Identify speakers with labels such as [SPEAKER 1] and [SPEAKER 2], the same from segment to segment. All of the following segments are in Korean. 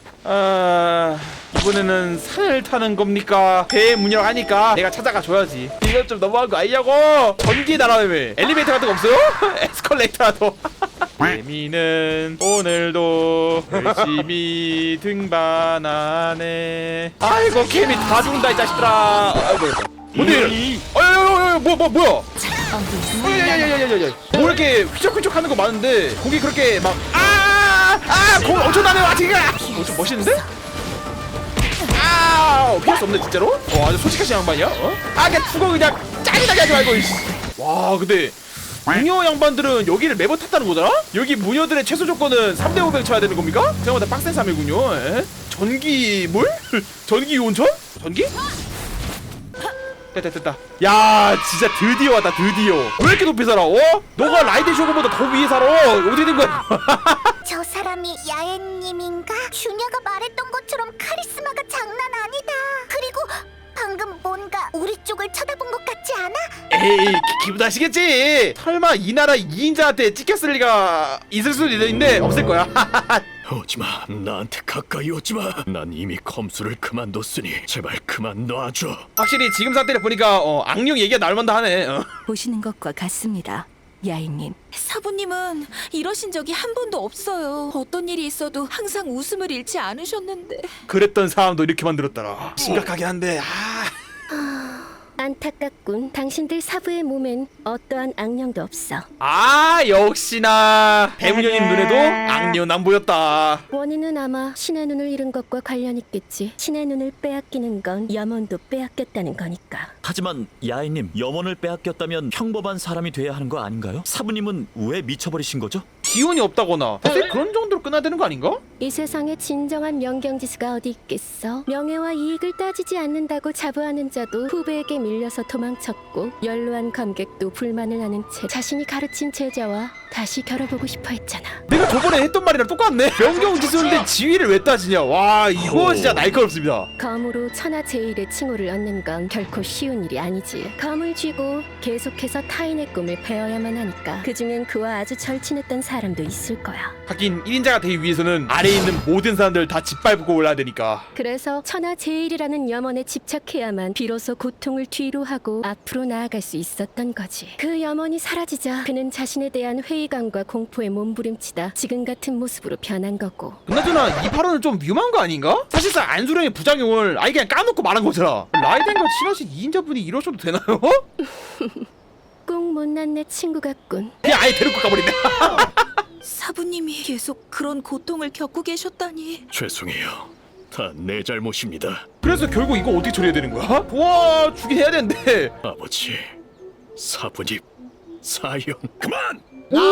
[SPEAKER 1] 이번에는 산을 타는 겁니까? 배에 문이라고 하니까 내가 찾아가 줘야지. 이건 좀 너무한 거 아니냐고. 전기 날아다니며 엘리베이터 같은 거 없어요? 에스컬레이터라도. 개미는 오늘도 열심히 등반하네. 아이고 개미 다 죽는다 이 자식들아. 아이고 뭔데 이래? 뭐야? 야야야야야야. 뭐 이렇게 휘적휘적 하는 거 많은데 거기 그렇게 막 공 엄청나네 와티가. 좀 멋있는데? 피할 수 없네 진짜로? 아주 솔직하신 양반이야? 그냥 죽어 그냥 짜증나게 하지 말고. 와 근데 무녀 양반들은 여기를 매번 탔다는 거잖아? 여기 무녀들의 최소 조건은 3대 500 쳐야 되는 겁니까? 생각보다 빡센 삶이군요. 전기물? 전기 온천? 전기? 됐다. 야 진짜 드디어 왔다 드디어. 왜 이렇게 높이 살아? 너가 라이드 쇼그보다 더 위에 살아. 어떻게 된 거야?
[SPEAKER 2] 저 사람이 야엔님인가? 슈냐가 말했던 것처럼 카리스마가 장난 아니다. 그리고 방금 뭔가 우리 쪽을 쳐다본 것 같지 않아?
[SPEAKER 1] 에이 기분 나시겠지. 설마 이 나라 2인자한테 찍혔을 리가 있을 수도 있는데 없을 거야.
[SPEAKER 3] 오지마, 나한테 가까이 오지마. 난 이미 검수를 그만뒀으니 제발 그만 놔줘.
[SPEAKER 1] 확실히 지금 상태를 보니까 악령 얘기가 나올 만도 하네.
[SPEAKER 4] 보시는 것과 같습니다. 야인님.
[SPEAKER 5] 사부님은 이러신 적이 한 번도 없어요. 어떤 일이 있어도 항상 웃음을 잃지 않으셨는데.
[SPEAKER 1] 그랬던 사람도 이렇게 만들었더라. 심각하긴 한데
[SPEAKER 6] 안타깝군. 당신들 사부의 몸엔 어떠한 악령도 없어.
[SPEAKER 1] 역시나 배무녀님 눈에도 악령은 안 보였다.
[SPEAKER 6] 원인은 아마 신의 눈을 잃은 것과 관련 있겠지. 신의 눈을 빼앗기는 건 염원도 빼앗겼다는 거니까.
[SPEAKER 7] 하지만 야인님, 염원을 빼앗겼다면 평범한 사람이 돼야 하는 거 아닌가요? 사부님은 왜 미쳐버리신 거죠?
[SPEAKER 1] 기운이 없다거나 사실 그런 정도로 끝나야 되는 거 아닌가?
[SPEAKER 6] 이 세상에 진정한 명경지수가 어디 있겠어. 명예와 이익을 따지지 않는다고 자부하는 자도 후배에게 밀려서 도망쳤고, 연로한 검객도 불만을 하는 채 자신이 가르친 제자와 다시 겨뤄보고 싶어 했잖아.
[SPEAKER 1] 내가 저번에 했던 말이랑 똑같네. 명경지수인데 지위를 왜 따지냐. 와 이거 진짜 날카롭습니다.
[SPEAKER 6] 검으로 천하제일의 칭호를 얻는 건 결코 쉬운 일이 아니지. 검을 쥐고 계속해서 타인의 꿈을 베어야만 하니까 그중엔 그와 아주 절친했던 사람도 있을 거야.
[SPEAKER 1] 하긴 1인자가 되기 위해서는 아래에 있는 모든 사람들 다 짓밟고 올라야 되니까.
[SPEAKER 6] 그래서 천하제일이라는 염원에 집착해야만 비로소 고통을 뒤로 하고 앞으로 나아갈 수 있었던 거지. 그 염원이 사라지자 그는 자신에 대한 회의감과 공포에 몸부림치다 지금 같은 모습으로 변한 거고.
[SPEAKER 1] 그나저나 이 발언은 좀 위험한 거 아닌가? 사실상 안수령의 부작용을 아예 그냥 까놓고 말한 거잖아. 라이덴과 친하신 2인자분이 이러셔도 되나요?
[SPEAKER 6] 꼭 못난 내 친구 같군.
[SPEAKER 1] 그냥 아예 데리고 가버린다.
[SPEAKER 5] 사부님이 계속 그런 고통을 겪고 계셨다니.
[SPEAKER 3] 죄송해요. 다 내 잘못입니다.
[SPEAKER 1] 그래서 결국 이거 어떻게 처리해야 되는 거야? 도와주긴 해야 되는데.
[SPEAKER 3] 아버지, 사부님, 사형 그만!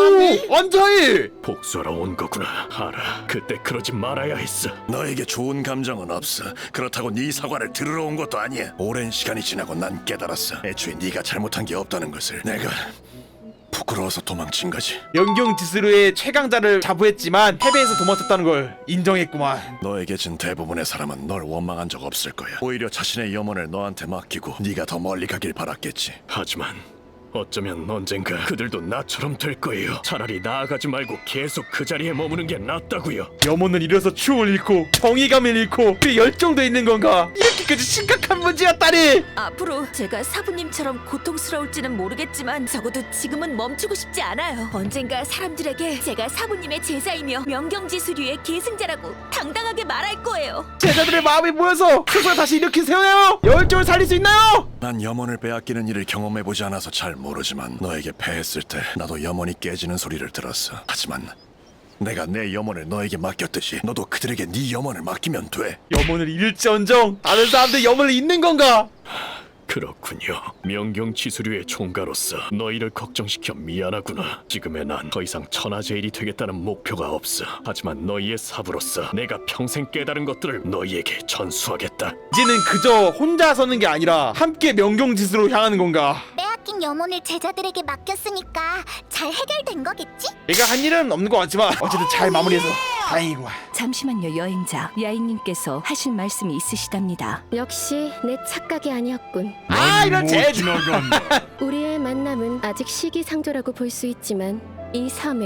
[SPEAKER 1] 안자이!
[SPEAKER 3] 복수하러 온 거구나. 알아. 그때 그러지 말아야 했어.
[SPEAKER 8] 너에게 좋은 감정은 없어. 그렇다고 네 사과를 들으러 온 것도 아니야. 오랜 시간이 지나고 난 깨달았어. 애초에 네가 잘못한 게 없다는 것을. 내가 부끄러워서 도망친 거지.
[SPEAKER 1] 명경지스루의 최강자를 자부했지만 패배해서 도망쳤다는 걸 인정했구만.
[SPEAKER 8] 너에게 진 대부분의 사람은 널 원망한 적 없을 거야. 오히려 자신의 염원을 너한테 맡기고 네가 더 멀리 가길 바랐겠지.
[SPEAKER 3] 하지만 어쩌면 언젠가 그들도 나처럼 될 거예요. 차라리 나아가지 말고 계속 그 자리에 머무는 게 낫다고요.
[SPEAKER 1] 염원을 잃어서 추억을 잃고 정의감을 잃고 그 열정도 있는 건가? 이렇게까지 심각한 문제였다니!
[SPEAKER 5] 앞으로 제가 사부님처럼 고통스러울지는 모르겠지만 적어도 지금은 멈추고 싶지 않아요. 언젠가 사람들에게 제가 사부님의 제자이며 명경지수류의 계승자라고 당당하게 말할 거예요.
[SPEAKER 1] 제자들의 마음이 모여서 스스로 다시 일으킨 세워요! 열정을 살릴 수 있나요?
[SPEAKER 8] 난 염원을 빼앗기는 일을 경험해보지 않아서 잘 모르지만 너에게 패했을 때 나도 염원이 깨지는 소리를 들었어. 하지만 내가 내 염원을 너에게 맡겼듯이 너도 그들에게 네 염원을 맡기면 돼.
[SPEAKER 1] 염원을 잃을지언정 다른 사람들 염원을 잃는 건가?
[SPEAKER 3] 그렇군요. 명경지수류의 총가로서 너희를 걱정시켜 미안하구나. 지금의 난 더 이상 천하제일이 되겠다는 목표가 없어. 하지만 너희의 사부로서 내가 평생 깨달은 것들을 너희에게 전수하겠다.
[SPEAKER 1] 이제는 그저 혼자 서는 게 아니라 함께 명경지수로 향하는 건가?
[SPEAKER 2] 빼앗긴 염원을 제자들에게 맡겼으니까 잘 해결된 거겠지?
[SPEAKER 1] 내가 한 일은 없는 것 같지만 어쨌든 잘 마무리해서 다행이구만.
[SPEAKER 4] 잠시만요, 여행자. 야인님께서 하실 말씀이 있으시답니다.
[SPEAKER 6] 역시 내 착각이 아니었군.
[SPEAKER 1] 이런
[SPEAKER 6] 우리의 만남은 아직 시기상조라고 볼 수 있지만 이 섬엔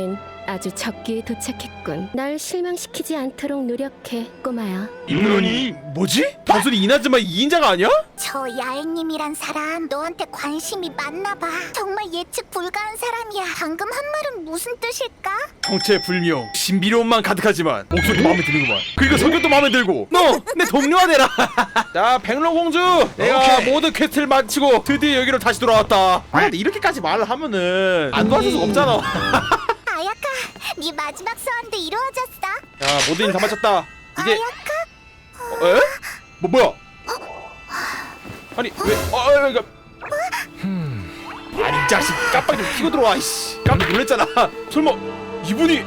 [SPEAKER 6] 아주 적기에 도착했군. 날 실망시키지 않도록 노력해, 꼬마야.
[SPEAKER 1] 이분이 뭐지? 단순히 이나즈마 2인자가 아니야?
[SPEAKER 2] 저 야행님이란 사람 너한테 관심이 많나봐. 정말 예측 불가한 사람이야. 방금 한 말은 무슨 뜻일까?
[SPEAKER 1] 정체불명 신비로움만 가득하지만 목소리도 마음에 드는구만. 그리고 성격도 마음에 들고 너 내 동료가 되라. 자 백로공주, 내가 모든 퀘스트를 마치고 드디어 여기로 다시 돌아왔다. 아 근데 이렇게까지 말을 하면은 안 도와줄 수가 없잖아.
[SPEAKER 2] 아야카, 네 마지막 소원도 이루어졌어.
[SPEAKER 1] 자 모든 일 다 마쳤다. 이제
[SPEAKER 2] 아야카?
[SPEAKER 1] 에? 뭐야? 아니 왜? 그러니까 아니 이 자식 깜빡 좀 키고 들어와. 이씨 깜짝 놀랐잖아. 설마 이분이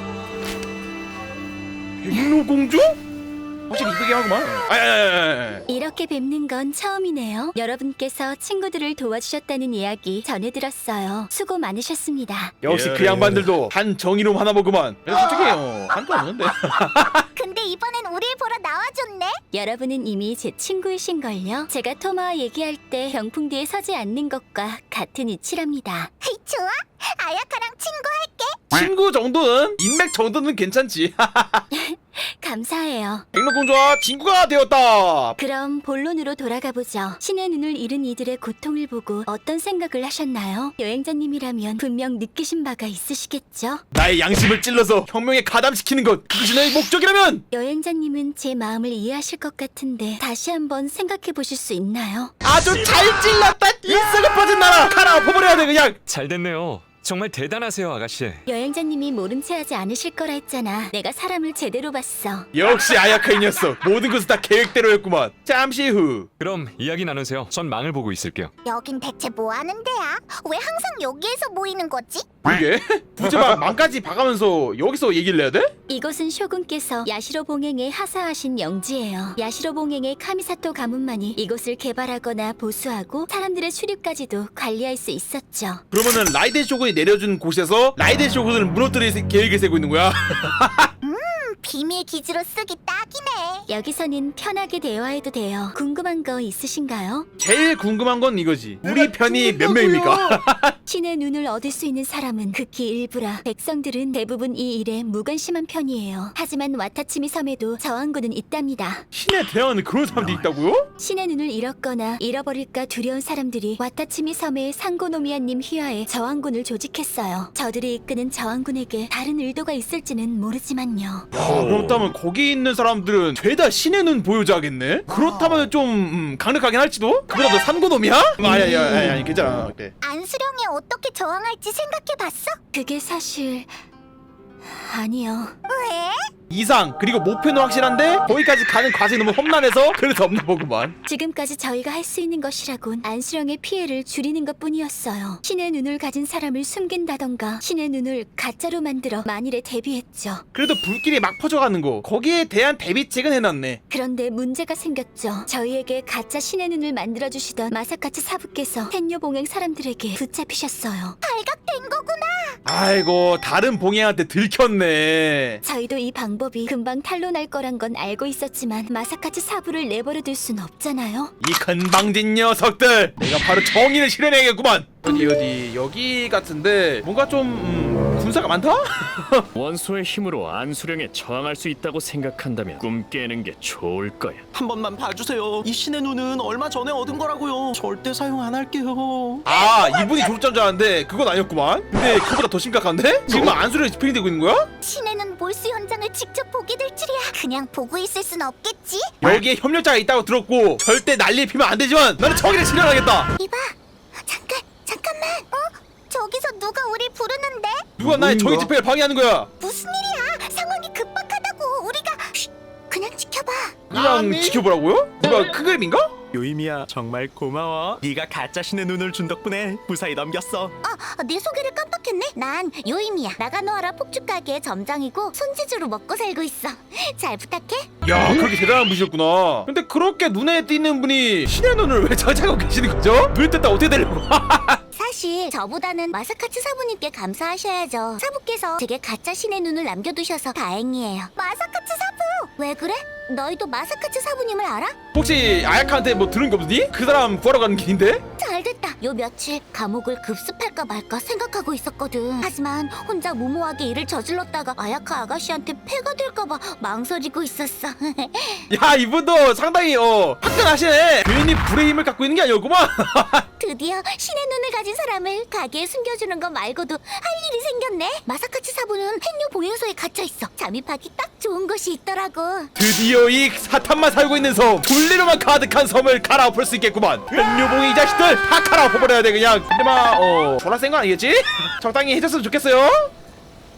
[SPEAKER 1] 백로공주? 확실히 이쁘게 하구만.
[SPEAKER 5] 이렇게 뵙는 건 처음이네요. 여러분께서 친구들을 도와주셨다는 이야기 전해 들었어요. 수고 많으셨습니다.
[SPEAKER 1] 역시 그 양반들도 한 정의로움 하나 보구만. 솔직히 한도 없는데.
[SPEAKER 2] 근데 이번엔 우릴 보러 나와줬네.
[SPEAKER 5] 여러분은 이미 제 친구이신걸요? 제가 토마와 얘기할 때 병풍 뒤에 서지 않는 것과 같은 이치랍니다.
[SPEAKER 2] 좋아, 아야카랑 친구할게.
[SPEAKER 1] 친구 정도는, 인맥 정도는 괜찮지.
[SPEAKER 5] 감사해요.
[SPEAKER 1] 백로공주와 친구가 되었다.
[SPEAKER 5] 그럼 본론으로 돌아가 보죠. 신의 눈을 잃은 이들의 고통을 보고 어떤 생각을 하셨나요? 여행자님이라면 분명 느끼신 바가 있으시겠죠?
[SPEAKER 1] 나의 양심을 찔러서 혁명에 가담시키는 것, 그것이 나의 목적이라면
[SPEAKER 5] 여행자님은 제 마음을 이해하실 것 같은데 다시 한번 생각해 보실 수 있나요?
[SPEAKER 1] 아주 잘 찔렀다. 일석을 퍼진 나라 칼아 엎어버려야 돼 그냥.
[SPEAKER 9] 잘 됐네요. 정말 대단하세요, 아가씨.
[SPEAKER 5] 여행자님이 모른 체 하지 않으실 거라 했잖아. 내가 사람을 제대로 봤어.
[SPEAKER 1] 역시 아야카 이 녀석, 모든 것은 다 계획대로였구만. 잠시 후
[SPEAKER 9] 그럼 이야기 나누세요. 전 망을 보고 있을게요.
[SPEAKER 2] 여긴 대체 뭐 하는 데야? 왜 항상 여기에서 모이는 거지?
[SPEAKER 1] 이게 굳이 막 망까지 봐가면서 여기서 얘기를 해야 돼?
[SPEAKER 5] 이곳은 쇼군께서 야시로 봉행에 하사하신 영지예요. 야시로 봉행의 카미사토 가문만이 이곳을 개발하거나 보수하고 사람들의 출입까지도 관리할 수 있었죠.
[SPEAKER 1] 그러면은 라이덴 쇼군이 내려준 곳에서 라이덴 쇼군을 무너뜨릴 계획을 세고 있는 거야?
[SPEAKER 2] 비밀 기지로 쓰기 딱이네.
[SPEAKER 5] 여기서는 편하게 대화해도 돼요. 궁금한 거 있으신가요?
[SPEAKER 1] 제일 궁금한 건 이거지. 우리 편이 몇 명입니까?
[SPEAKER 5] 신의 눈을 얻을 수 있는 사람은 극히 일부라 백성들은 대부분 이 일에 무관심한 편이에요. 하지만 와타치미 섬에도 저항군은 있답니다.
[SPEAKER 1] 신에 대항하는 그런 사람들이 있다고요?
[SPEAKER 5] 신의 눈을 잃었거나 잃어버릴까 두려운 사람들이 와타치미 섬의 상고노미아님 휘하에 저항군을 조직했어요. 저들이 이끄는 저항군에게 다른 의도가 있을지는 모르지만요.
[SPEAKER 1] 그렇다면 거기 있는 사람들은 죄다 신의 눈 보유자겠네? 그렇다면 좀 강력하긴 할지도? 그보다 너 산고놈이야? 아니 괜찮아. 그래.
[SPEAKER 2] 안수령이 어떻게 저항할지 생각해봤어?
[SPEAKER 5] 그게 사실... 아니요.
[SPEAKER 2] 왜?
[SPEAKER 1] 이상 그리고 목표는 확실한데 거기까지 가는 과정이 너무 험난해서 그래서 없나 보구만.
[SPEAKER 5] 지금까지 저희가 할 수 있는 것이라곤 안수령의 피해를 줄이는 것뿐이었어요. 신의 눈을 가진 사람을 숨긴다던가 신의 눈을 가짜로 만들어 만일에 대비했죠.
[SPEAKER 1] 그래도 불길이 막 퍼져가는 거 거기에 대한 대비책은 해놨네.
[SPEAKER 5] 그런데 문제가 생겼죠. 저희에게 가짜 신의 눈을 만들어주시던 마사카츠 사부께서 텐요 봉행 사람들에게 붙잡히셨어요.
[SPEAKER 2] 발각된 거구나.
[SPEAKER 1] 아이고 다른 봉행한테 들켰네.
[SPEAKER 5] 저희도 이 방법이 금방 탄로날 거란 건 알고 있었지만 마사카츠 사부를 내버려둘 순 없잖아요.
[SPEAKER 1] 이 건방진 녀석들, 내가 바로 정의를 실현해야겠구만. 어디 여기 같은데 뭔가 좀 군사가 많다?
[SPEAKER 3] 원소의 힘으로 안수령에 저항할 수 있다고 생각한다면 꿈 깨는 게 좋을 거야.
[SPEAKER 10] 한 번만 봐주세요. 이 신의 눈은 얼마 전에 얻은 거라고요. 절대 사용 안 할게요.
[SPEAKER 1] 아 이분이 졸업자인 줄 알았는데 그건 아니었구만. 근데 그보다 더 심각한데? 지금 안수령이 집행되고 있는 거야?
[SPEAKER 2] 신의 눈 몰수 현장을 직접 보게 될 줄이야. 그냥 보고 있을 순 없겠지?
[SPEAKER 1] 여기에 협력자가 있다고 들었고 절대 난리 피면 안 되지만 나는 정의를 실현하겠다.
[SPEAKER 2] 이봐, 잠깐만. 저기서 누가 우리 부르는데?
[SPEAKER 1] 누가 나의 정의 집행을 방해하는 거야?
[SPEAKER 2] 무슨 일이야? 상황이 급박하다고. 우리가 그냥 지켜봐.
[SPEAKER 1] 그냥 지켜보라고요? 누가 큰 그림인가?
[SPEAKER 10] 요이미야 정말 고마워. 네가 가짜 신의 눈을 준 덕분에 무사히 넘겼어.
[SPEAKER 2] 내 소개를 깜빡했네. 난 요임이야. 나가노하라 폭죽 가게의 점장이고 손재주로 먹고 살고 있어. 잘 부탁해.
[SPEAKER 1] 야 그렇게 대단한 분이셨구나. 근데 그렇게 눈에 띄는 분이 신의 눈을 왜 찾아가고 계시는 거죠? 눈 떴다 어떻게 되려고?
[SPEAKER 2] 사실 저보다는 마사카츠 사부님께 감사하셔야죠. 사부께서 제게 가짜 신의 눈을 남겨두셔서 다행이에요. 마사카츠 사부! 왜 그래? 너희도 마사카츠 사부님을 알아?
[SPEAKER 1] 혹시 아야카한테 뭐 들은 거 없니? 그 사람 구하러 가는 길인데?
[SPEAKER 2] 잘됐다. 요 며칠 감옥을 급습할까 말까 생각하고 있었거든. 하지만 혼자 무모하게 일을 저질렀다가 아야카 아가씨한테 폐가 될까봐 망설이고 있었어.
[SPEAKER 1] 야, 이분도 상당히 화끈하시네. 괜히 불의 힘을 갖고 있는 게 아니었구만.
[SPEAKER 2] 드디어 신의 눈을 가진 사람을 가게에 숨겨주는 거 말고도 할 일이 생겼네. 마사카츠 사부는 햇뇨 보유소에 갇혀있어. 잠입하기 딱 좋은 곳이 있더라고.
[SPEAKER 1] 드디어 이 사탄만 살고 있는 섬, 분리로만 가득한 섬을 갈아엎을 수 있겠구만. 현유봉이 이 자식들 다 갈아엎어버려야 돼 그냥. 근데 막 졸라 센 거 아니겠지? 적당히 해줬으면 좋겠어요.